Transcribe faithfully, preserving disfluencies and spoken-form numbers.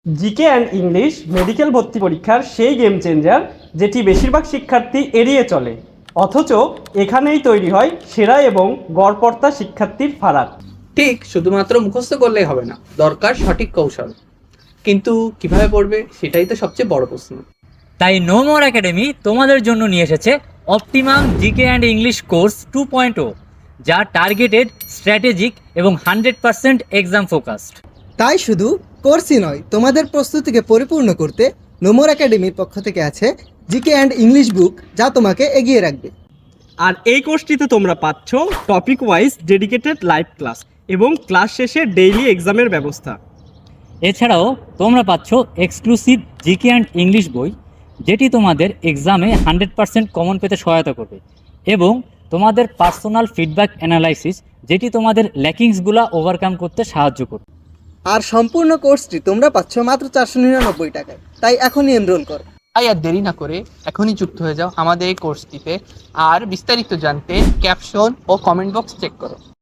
GK and English medical ভর্তি পরীক্ষার সেই গেম চেঞ্জার যেটি বেশিরভাগ শিক্ষার্থী এড়িয়ে চলে, অথচ এখানেই তৈরি হয় সেরা এবং গড়পড়তা শিক্ষার্থীর ফারাক। ঠিক, শুধুমাত্র মুখস্থ করলেই হবে না, দরকার সঠিক কৌশল। কিন্তু কিভাবে পড়বে সেটাই তো সবচেয়ে বড় প্রশ্ন। তাই নো মোর একাডেমি তোমাদের জন্য নিয়ে এসেছে optimum GK and English course two point O, যা টার্গেটেড, স্ট্র্যাটেজিক এবং হান্ড্রেড পার্সেন্ট এক্সাম ফোকাসড। তাই শুধু কোর্সই নয়, তোমাদের প্রস্তুতিকে পরিপূর্ণ করতে নোমোর একাডেমির পক্ষ থেকে আছে জিকে অ্যান্ড ইংলিশ বুক, যা তোমাকে এগিয়ে রাখবে। আর এই কোর্সটিতে তোমরা পাচ্ছ topic wise dedicated live class এবং ক্লাস শেষে ডেইলি এক্সামের ব্যবস্থা। এছাড়াও তোমরা পাচ্ছ এক্সক্লুসিভ জিকে অ্যান্ড ইংলিশ বই, যেটি তোমাদের এক্সামে হান্ড্রেড পার্সেন্ট কমন পেতে সহায়তা করবে, এবং তোমাদের পার্সোনাল ফিডব্যাক অ্যানালাইসিস, যেটি তোমাদের ল্যাকিংসগুলো ওভারকাম করতে সাহায্য করবে। আর সম্পূর্ণ কোর্সটি তোমরা পাচ্ছ মাত্র চারশো নিরানব্বই টাকায়। তাই এখনই এনরোল করো। তাই আর দেরি না করে এখনই যুক্ত হয়ে যাও আমাদের এই কোর্সটিতে। আর বিস্তারিত জানতে ক্যাপশন ও কমেন্ট বক্স চেক করো।